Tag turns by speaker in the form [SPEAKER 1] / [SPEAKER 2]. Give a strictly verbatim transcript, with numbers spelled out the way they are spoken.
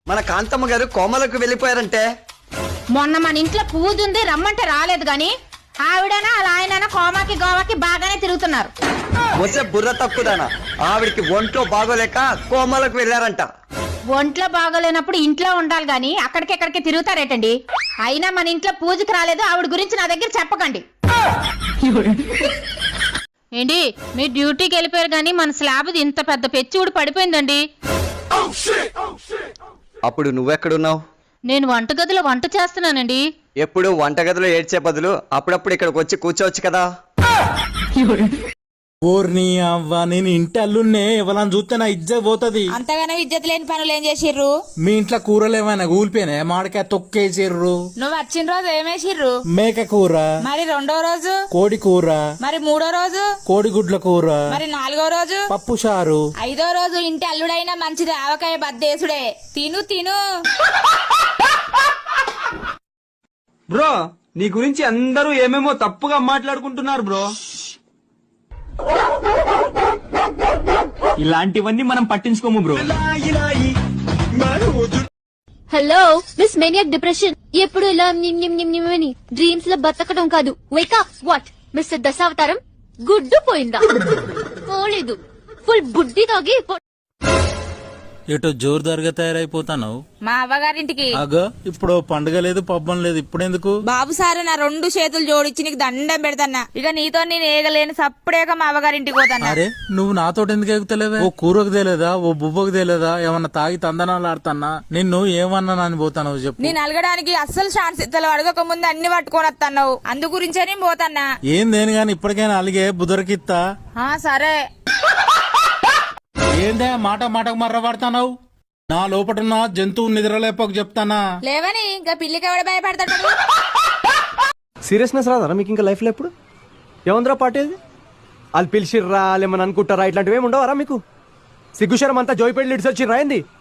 [SPEAKER 1] మన కాంతమ్మ గారు కోమలకు వెళ్ళిపోయారంటే.
[SPEAKER 2] మొన్న మన ఇంట్లో పూజ ఉంది రమ్మంటే రాలేదు గాని ఆవిడనా అలా ఆయన కోమాకి గోవాకి బాగానే తిరుగుతున్నారు.
[SPEAKER 1] వచ్చే బుర్ర తక్కుదానా, ఆవిడికి ఒంట్లో బాగోలేక కోమలకు వెళ్ళారంట.
[SPEAKER 2] ఒంట్లో బాగోలేనప్పుడు ఇంట్లో ఉండాలి గాని అక్కడికెక్కడికి తిరుగుతారేటండి. అయినా మన ఇంట్లో పూజకి రాలేదు, ఆవిడ గురించి నా దగ్గర చెప్పకండి. ఏంటి మీ డ్యూటీకి వెళ్ళిపోయారు గాని మన స్లాబ్ ఇంత పెద్ద పెచ్చి ఊడి పడిపోయిందండి.
[SPEAKER 1] అప్పుడు నువ్వెక్కడున్నావు?
[SPEAKER 2] నేను వంటగదిలో వంట చేస్తున్నానండి.
[SPEAKER 1] ఎప్పుడు వంటగదిలో ఏడ్చే బదులు అప్పుడప్పుడు ఇక్కడికి వచ్చి కూర్చోవచ్చు కదా.
[SPEAKER 3] ఓర్ని అవ్వ, నేను ఇంటి అల్లున్నే ఎవరని చూస్తే నా ఇజ్జత్ పోతది.
[SPEAKER 4] అంతగానో ఇజ్జత్ లేని పనులు ఏం చేసిర్రు?
[SPEAKER 3] మీ ఇంట్లో కూరలు ఏమైనా కూలిపోయినా? మామిడికాయ తొక్కేసిర్రు.
[SPEAKER 4] నువ్వు వచ్చిన రోజు ఏమేసిర్రు?
[SPEAKER 3] మేక కూర.
[SPEAKER 4] మరి రెండో రోజు?
[SPEAKER 3] కోడి కూర.
[SPEAKER 4] మరి మూడో రోజు?
[SPEAKER 3] కోడిగుడ్ల కూర.
[SPEAKER 4] మరి నాలుగో రోజు?
[SPEAKER 3] పప్పు చారు.
[SPEAKER 4] ఐదో రోజు ఇంటి అల్లుడైనా మంచిది ఆవకాయ బద్దేసుడే. తిను తిను.
[SPEAKER 5] బ్రో, నీ గురించి అందరూ ఏమేమో తప్పుగా మాట్లాడుకుంటున్నారు బ్రో. ఇలాంటివన్నీ మనం పట్టించుకోము bro.
[SPEAKER 6] Hello miss maniac depression ఎప్పుడు ఇలా అని డ్రీమ్స్ లో బతకడం కాదు. వేకప్. వాట్ మిస్టర్ దశావతారం గుడ్డు పోయిందా? పోలేదు, ఫుల్ బుడ్డి తాగి
[SPEAKER 3] ఎటో జోరుదారుగా తయారైపోతాను.
[SPEAKER 4] మా అవ్వగారింటికి.
[SPEAKER 3] అగో ఇప్పుడు పండుగ లేదు పబ్బం లేదు, ఇప్పుడెందుకు?
[SPEAKER 4] బాబు సారు నా రెండు చేతులు జోడించి నీకు దండం పెడతాన్నా. ఇక నీతో నేను ఏగలేని సప్పుడేక మా అవ్వగారింటికి పోతాను.
[SPEAKER 3] అరే నువ్వు నాతో ఎందుకు ఎగుతలేవే? ఓ కూరకు తేలేదా, ఓ బుబ్బకు తేలేదా? ఏమన్నా తాగి తందనాలు ఆడుతున్నా? నిన్ను ఏమన్నా అని పోతాను చెప్పు.
[SPEAKER 4] నేను అలగడానికి అస్సలు ఛాన్స్ ఇత్తలు అడగక ముందు అన్ని పట్టుకొని వస్తున్నావు, అందు గురించే నేను పోతాన్నా.
[SPEAKER 3] ఏం దేని గాని ఇప్పటికైనా అలిగే బుదరకిత్తా.
[SPEAKER 4] సరే.
[SPEAKER 3] ఏందే మాట మాటకు మర్ర పడతావు? నా లోపటున్న జంతువు నిద్రలేపకు చెప్తానా?
[SPEAKER 4] లేవని ఇంకా పిల్లికి ఎవడ భయపడతాడు?
[SPEAKER 7] సీరియస్నెస్ రాదా మీకు ఇంకా లైఫ్ లో? ఎప్పుడు ఏముందిరా పాటేది? వాళ్ళు పిలిచిర్రా, వాళ్ళు ఏమని అనుకుంటారా? ఇట్లాంటివి ఏమి ఉండవరా మీకు? సిగ్గుశరం అంతా జోయిపేట లిడ్స్ వచ్చి రాయింది.